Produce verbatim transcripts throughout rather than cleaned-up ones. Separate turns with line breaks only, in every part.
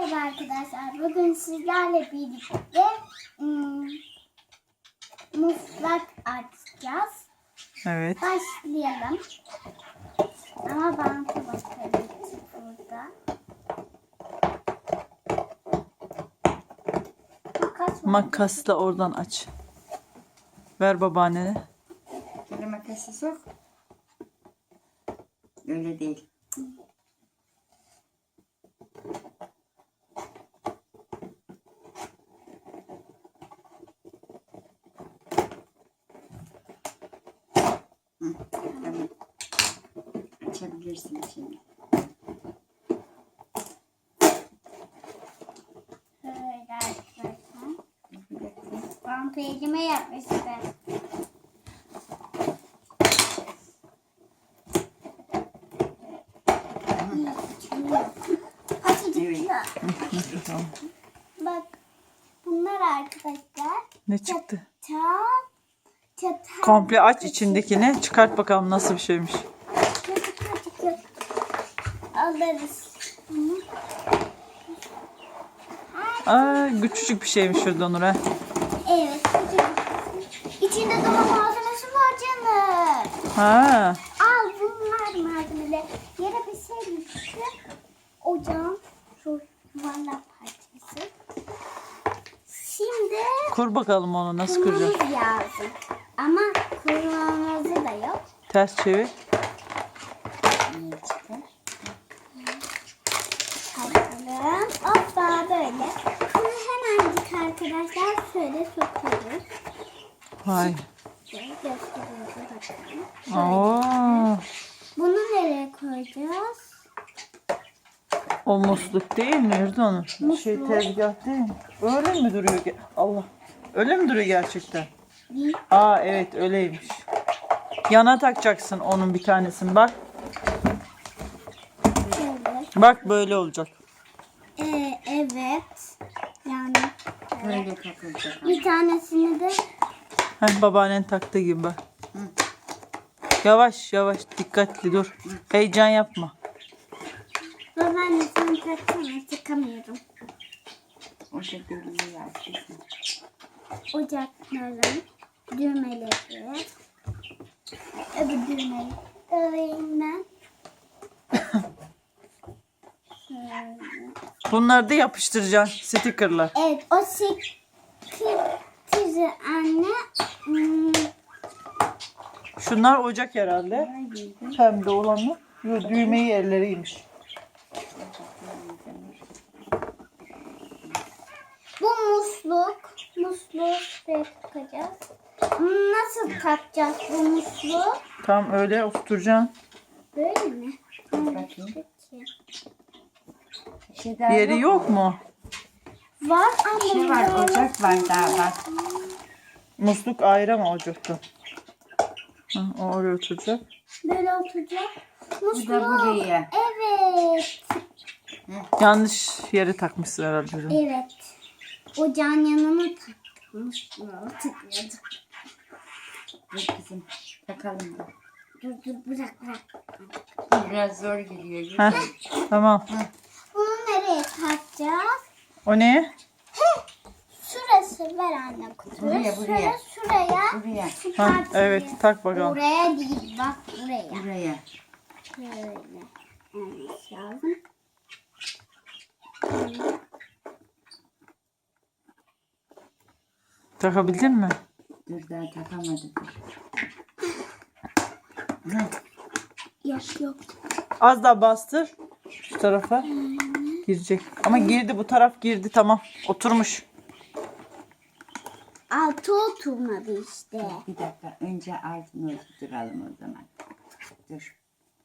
Merhaba arkadaşlar. Bugün sizlerle birlikte ım, muslak açacağız.
Evet.
Başlayalım. Ama bantı bakalım burada. Makas var.
Makasla oradan aç. Ver babaannene.
Şöyle makası sok. Öyle değil. Hı, tamam. Açabilirsin şimdi.
Şöyle arkadaşlar.
Bir dakika.
Bantı elime yapmıştı.
Evet.
Tamam.
Bak bunlar arkadaşlar.
Ne çıktı?
Çatal. Çatal.
Komple aç içindekini. Çıkart bakalım nasıl bir şeymiş.
Küçük küçük alırız. Bunu.
Aa, küçücük bir şeymiş şurada Nur ha.
Evet. Küçük. İçinde dolma malzemesi var canım.
Ha.
Al bunlar malzemeler. Yere bir şey düştü. Ocağın şu yuvarlak parçası. Şimdi
Kur bakalım onu nasıl kuracağız.
kurmamız lazım. Ama kurmamızı da yok.
Ters çevir.
Ne çıkar?
Bakalım. Hoppa böyle. Bunu hemencik arkadaşlar şöyle sokuyoruz.
Vay.
Şöyle gösteriyoruz bakalım.
Oo.
Bunu nereye koyacağız?
O musluk değil mi Erdoğan?
Musluk.
Şey tezgah değil mi? Öyle mi duruyor? ge- Allah. Öyle mi duruyor gerçekten?
Bir.
Aa evet öyleymiş. Yana takacaksın onun bir tanesini bak.
Şöyle.
Bak böyle olacak.
Ee, evet. Yani
Böyle takılacak.
bir tanesini de
Heh, babaannen taktığı gibi bak. Yavaş yavaş dikkatli dur. Heyecan yapma.
babaannesini taksana çıkamıyorum.
O şekilde yapacaksın.
Ocakların düğmeleri. Öbür düğmeyi alayım ben. Şöyle.
Bunları da yapıştıracaksın stickerlar.
Evet o sektizi anne. Hmm,
Şunlar ocak herhalde. Pembe olanı. Yo, düğmeyi yerleriymiş.
bu musluk. Musluğu şuraya takacağız. Nasıl takacağız bu musluğu?
Tam öyle oturtacaksın.
Böyle mi?
Bakayım.
Peki.
Bir şey daha
Yeri yok mu?
Var ama
Bir şey var, ocak var daha bak.
Musluk ayrı ama ocakta. Hı, o oraya oturacak.
böyle oturacak.
Bu da
Musluğu.
buraya.
Evet.
Yanlış yere takmışsın herhalde. ürünü.
Evet. Ocağın yanına takmış. Tıkladı.
Dur kızım. Takalım da.
Dur dur bırak bırak.
Biraz zor gidiyor.
Heh, tamam.
Bunu nereye takacağız?
O ne?
Şurası ver anne kutuyu.
Buraya, buraya.
Şuraya, şuraya.
Buraya.
Şu
Ha,
parçayı.
evet tak bakalım.
Buraya değil bak buraya.
Buraya.
Şöyle. Evet lazım.
Takabildin mi?
Dur daha takamadım.
Yok yok.
Az daha bastır. Şu tarafa. Girecek. Ama girdi bu taraf girdi tamam. Oturmuş.
Altı oturmadı işte.
Bir dakika. Önce altını oturtalım o zaman. Dur.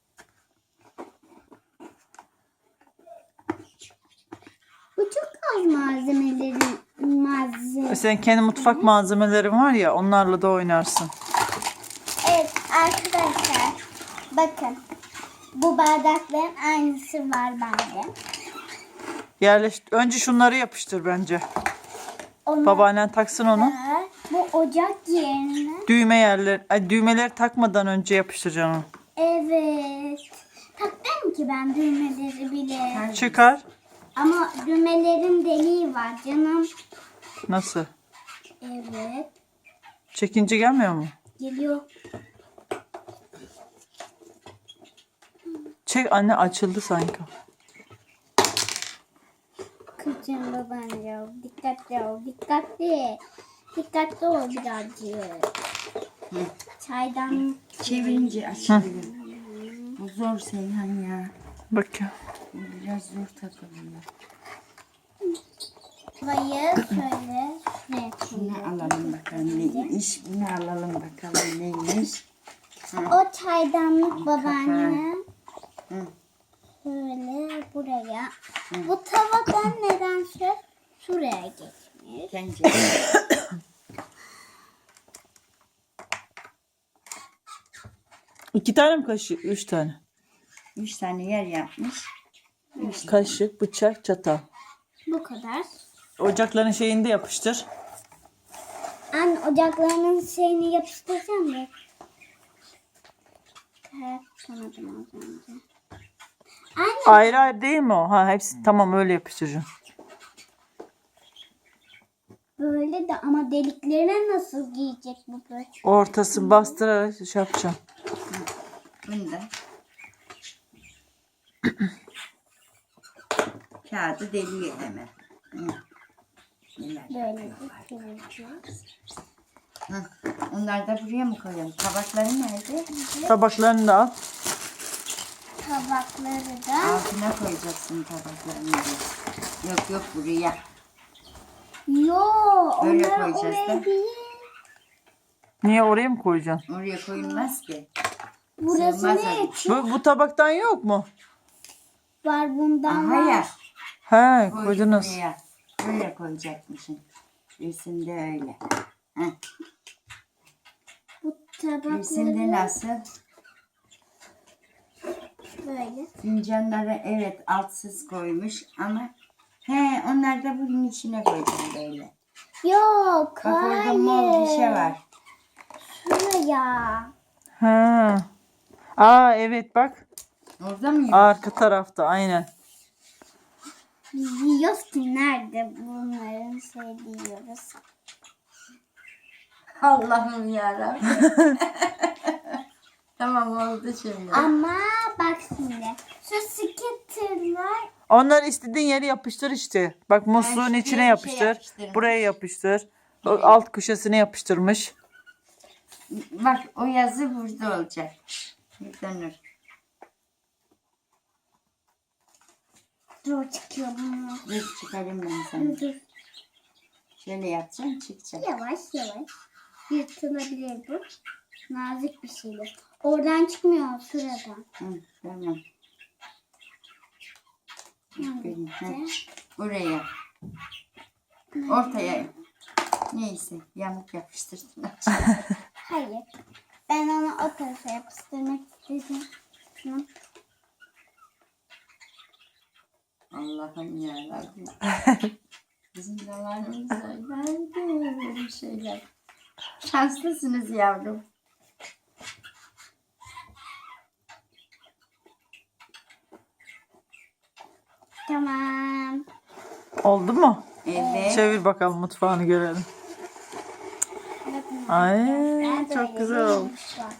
Bu çok az malzemelerin malzeme.
Senin kendi mutfak malzemelerin var ya onlarla da oynarsın.
Evet arkadaşlar bakın bu bardakların aynısı var bende.
Yerleş önce şunları yapıştır bence.
Onlar
Babaannen taksın onu.
da bu ocak yerine.
Düğme yerleri, ay, düğmeleri takmadan önce yapıştıracaksın onu.
Evet. Taktım ki ben düğmeleri bile.
Çıkar.
Ama düğmelerin deliği var canım.
Nasıl?
Evet.
Çekince gelmiyor mu?
Geliyor.
Çek anne, açıldı sanki.
Kızım babancığım. Dikkatli ol. Dikkatli. Dikkatli ol birazcık.
Hı.
Çaydan
Çevirince açılıyor. Bu zor Seyhan ya.
Bak ya.
Bu biraz zor takılıyor.
Bayı şöyle şuraya
Bunu
koyuyorum.
alalım bakalım neymiş. Bunu alalım bakalım neymiş.
O çaydanlık babaanne.
Hı.
Şöyle buraya. Bu tavadan nedense şuraya geçmiş.
Tencere.
İki tane mi kaşık? Üç tane.
Üç tane yer yapmış.
Kaşık, bıçak, çatal.
Bu kadar.
Ocakların şeyinde yapıştır.
Anne ocaklarının şeyini yapıştıracağım da. Evet, tanıdım az önce. Anne
Ayrı ayrı değil mi o? Ha, hepsi tamam, öyle yapıştıracaksın.
böyle de ama deliklerine nasıl giyecek bu böyle?
Ortası bastırarak şey yapacaksın.
Bunu da kağıdı deliyor hemen. Hı. Neler
Böyle
yapıyorlar.
bir çevireceğiz.
Hı. Onları da buraya mı koyalım? Tabakları nerede?
Tabaklarını da al.
Tabakları da.
Altına koyacaksın tabaklarını. da. Yok yok buraya.
Yo,
Böyle
onlar
koyacağız
oraya
da.
değil.
Niye oraya mı koyacaksın?
Oraya koyulmaz ki.
Burası
Sığmaz
ne
öyle.
için
Bu, bu tabaktan yok mu?
var bundan
Aha
var.
ya.
He,
Koy
koydunuz.
buraya. Böyle koyacakmışsın. Resimde öyle. Heh.
Bu tabakları
Resimde nasıl?
böyle.
Fincanları evet altsız koymuş ama he onlar da bunun içine koydum böyle.
Yok,
Bak orada mor bir şey var.
Şuraya.
Ha. Aa evet bak.
Orada mı yok?
Arka tarafta aynen.
Biz diyoruz ki nerede bunların şey diyoruz.
Allah'ım yarabbim. Tamam oldu şimdi.
Ama bak şimdi. Şu skitterlar
Onları istediğin yere yapıştır işte. Bak musluğun
şuraya bir
içine
şey
yapıştır.
yapıştırmış.
Buraya yapıştır. O
Evet.
alt köşesine yapıştırmış.
Bak o yazı burada olacak. Yüklenir.
dur çıkıyor bunlar.
Dur çıkarayım ben sana.
Dur dur.
Şöyle yapacağım çıkacak.
Yavaş yavaş. Yırtılabilir bu. Nazik bir şeydir. Oradan çıkmıyor şuradan.
Hı, tamam. Aferin, ha.
İşte.
Buraya. Ortaya. Neyse yamuk yapıştırdın.
Hayır. Ben onu o tarafa yapıştırmak istedim. Şunu.
Allah'ım yarabbim. Bizim zamanımızda nerede böyle şeyler. Şanslısınız yavrum.
Tamam.
Oldu mu?
Evet.
Çevir bakalım, mutfağını görelim.
Bakın
Ay
arkadaşlar,
çok
böyle
güzel
bir
olmuş.
var.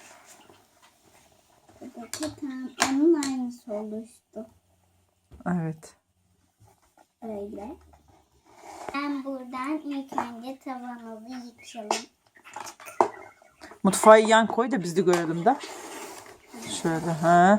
Buradaki tam onun aynısı oluştu.
Evet.
Öyle. Ben buradan ilk önce tavanımızı yıkayalım.
Mutfağı yan koy da biz de görelim de. Şöyle ha.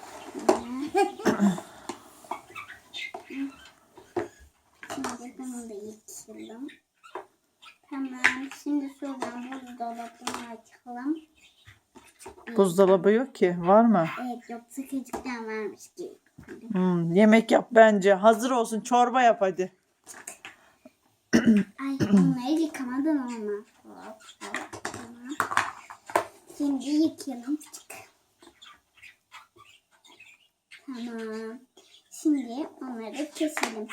Şimdi bunu da yıkayalım. Tamam. Şimdi şuradan buzdolabını açalım.
Buzdolabı yok ki. Var mı?
Evet yok sıkıcıktan varmış gibi.
Hmm, yemek yap bence. Hazır olsun. Çorba yap hadi.
Ay onları yıkamadan olmaz. Hop, hop, tamam. Şimdi yıkayalım. Çık. Tamam. Şimdi onları keselim.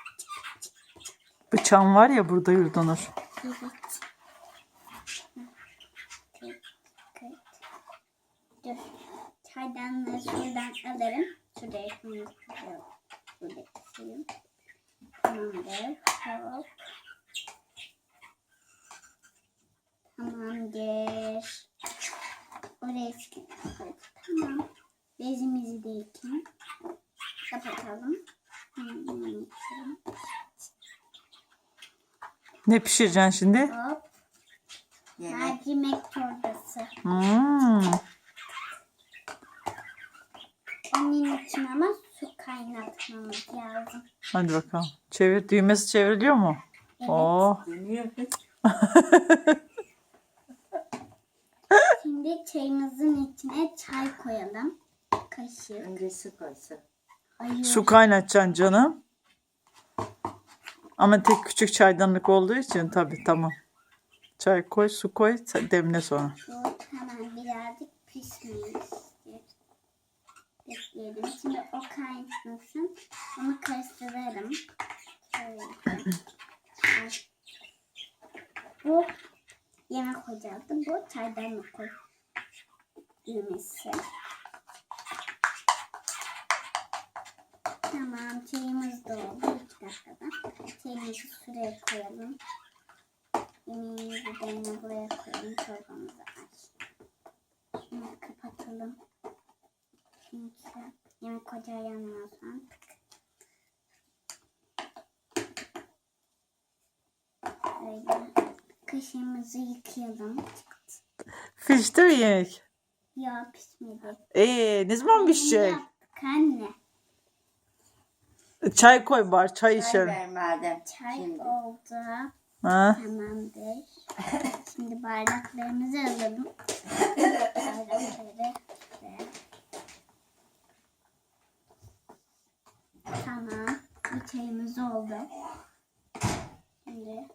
Bıçağın var ya burada Yurdanur.
Evet. Dur. Çaydanlığı şuradan alırım. Şuraya koyalım. Şuraya. suyum. Tamamdır. Hop. Tamamdır. Oraya sıkıntı. Tamam. Bezimizi de yıkayalım. Kapatalım. Hmm.
Ne pişireceksin şimdi?
Hop.
Yemek.
Mercimek çorbası.
Hmm.
Onun için ama su kaynatmamız lazım.
Hadi bakalım. Çevir. Düğmesi çevriliyor mu?
Evet.
Oo.
Dönüyor kız.
Şimdi çayımızın içine çay koyalım. Kaşık.
Önce su koysun.
Hayır.
Su kaynatacaksın canım. Ama tek küçük çaydanlık olduğu için tabii tamam. Çay koy, su koy, demle sonra.
Bu hemen birazcık pişmeyi istiyor. Bekleyelim. Şimdi o kaynasın. Onu karıştıralım. Şöyle. Ay. Bu yemek ocağı. Bu çaydanlık koy. Düğmesi. Tamam. Çayımız da oldu. İki dakikada. Çayımızı şuraya koyalım. Yemeğimizi de yine buraya koyalım. Çorbamızı aç. Şunu kapatalım. Çünkü yemek ocağı yanmıyorsan. Böyle kaşığımızı yıkayalım.
Pişti mi yemek?
Ya pişmedi.
Ee, ne zaman pişecek?
Bunu yaptık anne.
Çay koy bari, çay
Çay
içelim.
ver madem.
Çay
Şimdi.
oldu.
Ha?
Tamamdır. Şimdi bardaklarımızı alalım. Bardakları şuraya. Tamam. Bir çayımız oldu. Şimdi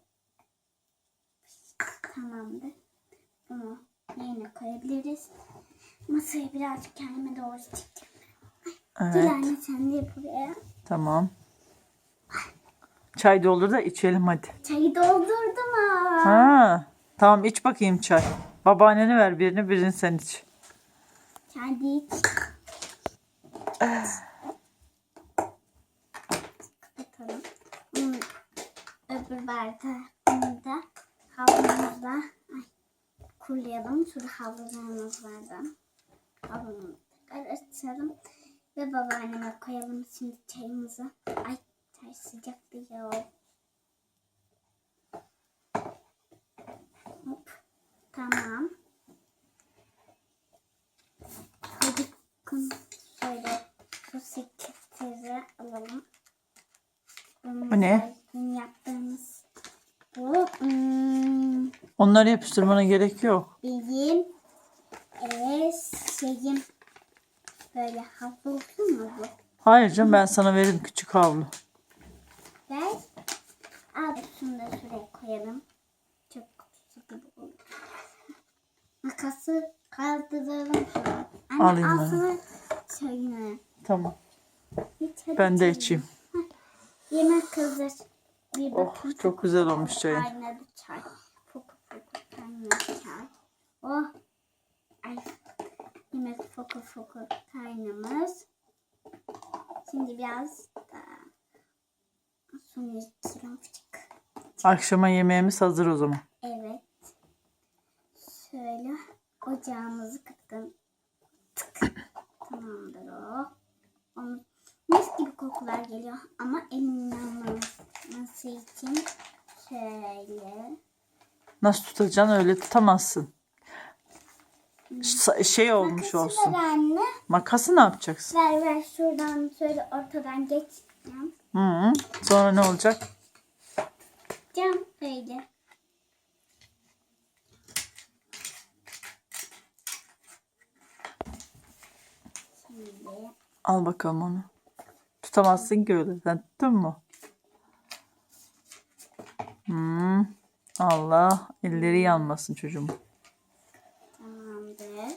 tamamdır. Bunu yerine koyabiliriz. Masayı birazcık kendime doğru çekeceğim.
Evet,
Dilan'la sen de yap buraya.
tamam. Çay doldur da içelim hadi.
Çayı doldurdum ha.
Ha, tamam iç bakayım çay. Babaannene ver birini, birini sen iç.
Kendi iç. Kapatalım. Hmm. Öbür bardağını da havlumuzla ay, kurulayalım. Şurada havlularımız vardı. Havlumuzu tekrar açalım. Ve babaanneme koyalım şimdi çayımızı. Ay çay sıcak diyor. Hop. Tamam. Hadi kum şöyle su sekizleri alalım.
Bu ne?
Dün yaptığımız bu hmm,
Onları yapıştırmana gerek yok.
bizim evet şeyim böyle hafif olsun mu bu?
Hayır canım, ben sana veririm küçük havlu.
Ver. Al şunu da şuraya koyalım. Çok sıkı olur. Makası kaldıralım şunu. Anne
Alayım
al
ben.
sana çayını.
Tamam.
İç hadi
Ben de
çayını.
içeyim.
Yemek hazır. Bir
Oh,
bakın.
çok güzel olmuş çayın.
Kaynadı çay. Fokur fokur kaynadı çay. Oh. Ay. Yemek fokur fokur kaynamış. Şimdi biraz daha suyunu içelim.
Akşama yemeğimiz hazır o zaman.
Evet. Şöyle ocağımızı kıttım. Tık. Tamamdır o. Onun mis gibi kokular geliyor ama elimin yanmaması için şöyle.
Nasıl tutacaksın, öyle tutamazsın. Ş- Şey olmuş
Makası
olsun.
ver anne.
Makası ne yapacaksın?
Ver ver şuradan şöyle ortadan geçeceğim.
Hı -hı. Sonra ne olacak?
Cam böyle. Şimdi
Al bakalım onu. Tutamazsın ki öyle. Sen tuttun mu? Hmm. Allah elleri yanmasın çocuğum.
tamamdır.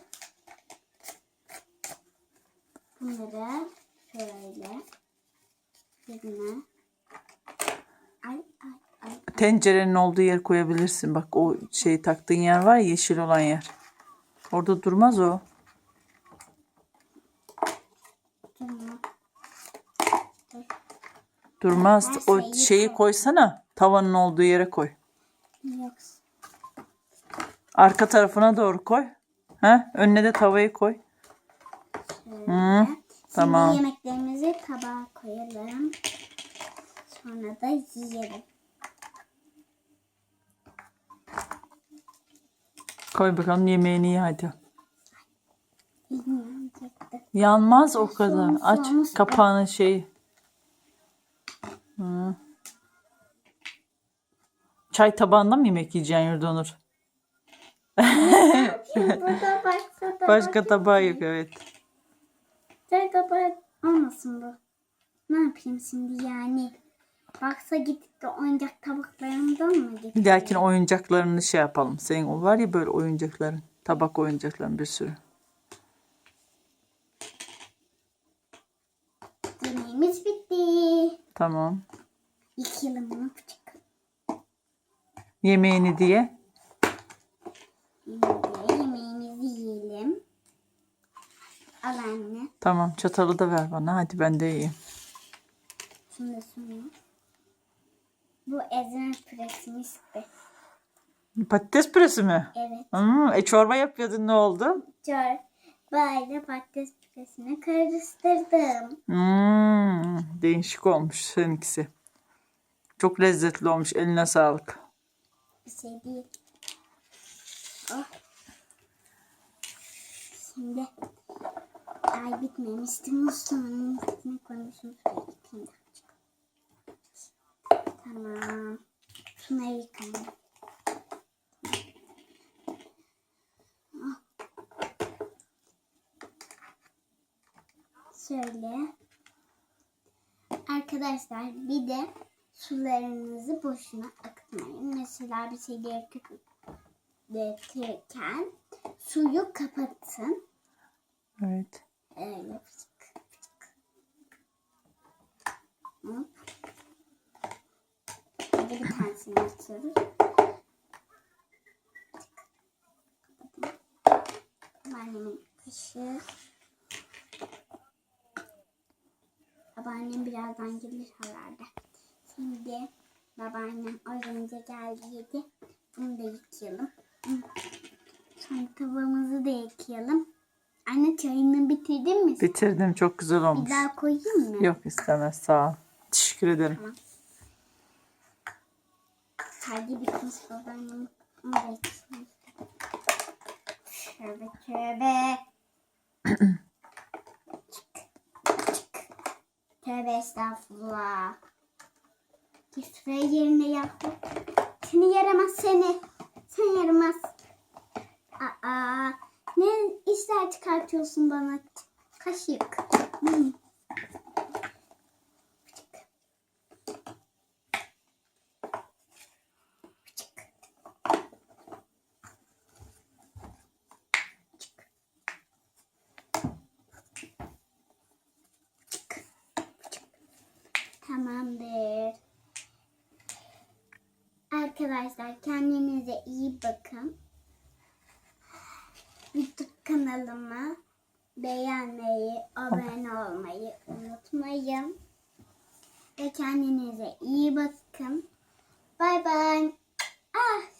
Bunları şöyle yerine ay ay ay
Tencerenin olduğu yer koyabilirsin. Bak o şeyi taktığın yer var ya, yeşil olan yer. Orada durmaz o.
tamam. Dur.
Durmaz.
Her
O
şeyi
şeyi
koy.
koysana. Tavanın olduğu yere koy.
Yoksa.
Arka tarafına doğru koy. Ha? Önüne de tavayı koy.
Şöyle.
Hı, tamam.
Şimdi yemeklerimizi tabağa koyalım. Sonra da yiyelim.
Koy bakalım yemeğini ye hadi.
Yiyecektim.
Yanmaz o kadar.
Soğumuş,
Aç
soğumuş.
kapağını şeyi. Hı. Çay tabağında mı yemek yiyeceksin Yurdanur?
Burada başka tabak.
Başka tabağı yok evet.
Çay tabağı olmasın bu. Ne yapayım şimdi yani? Baksa gidip de oyuncak tabaklarımdan mı getireyim?
Bir dahakine oyuncaklarını şey yapalım. Senin o var ya böyle oyuncakların. Tabak oyuncakların bir sürü.
Yemeğimiz bitti.
Tamam.
Yıkayalım bunu küçük.
Yemeğini diye.
Şimdi yemeğimizi yiyelim. Al anne.
Tamam çatalı da ver bana. Hadi ben de yiyeyim.
Şunu da sunayım. Bu ezme püresimiz de.
Patates püresi mi?
Evet.
Hmm, e çorba yapıyordun ne oldu?
Çor. Böyle patates püresini karıştırdım.
Hmm, değişik olmuş seninkisi. Çok lezzetli olmuş. Eline sağlık.
Bir şey değil. Oh. Şimdi ay bitmemişti. Musluğun üstüne koymuşum. Şuraya gideyim de. Tamam. Şunları yıkayalım. Oh. Şöyle. Arkadaşlar bir de sularınızı boşuna akıtmayın. Mesela bir şeyleri dökülürken suyu kapatın.
Evet.
Öyle fıçık fıçık. Hop. Hadi bir tanesini açıyoruz. Babaannemin kaşığı. Babaannem birazdan gelir herhalde. Şimdi babaannem az önce geldi yedi. Bunu da yıkayalım. Sonra tavamızı da yıkayalım. Anne çayını bitirdin mi?
Bitirdim. Çok güzel
Bir
olmuş.
daha koyayım mı?
Yok istemez. Sağ ol. Teşekkür ederim.
Tamam. Hadi bitmiş babaannem. Evet. Tövbe tövbe. Tövbe estağfurullah. Git ve yerine yahu. Seni yaramaz seni. Sen yaramaz. Aa, ne işler çıkartıyorsun bana? Kaşık. Hmm. Tamamdır. Arkadaşlar kendinize iyi bakın. YouTube kanalıma beğenmeyi, abone olmayı unutmayın. Ve kendinize iyi bakın. Bay bay. Ah.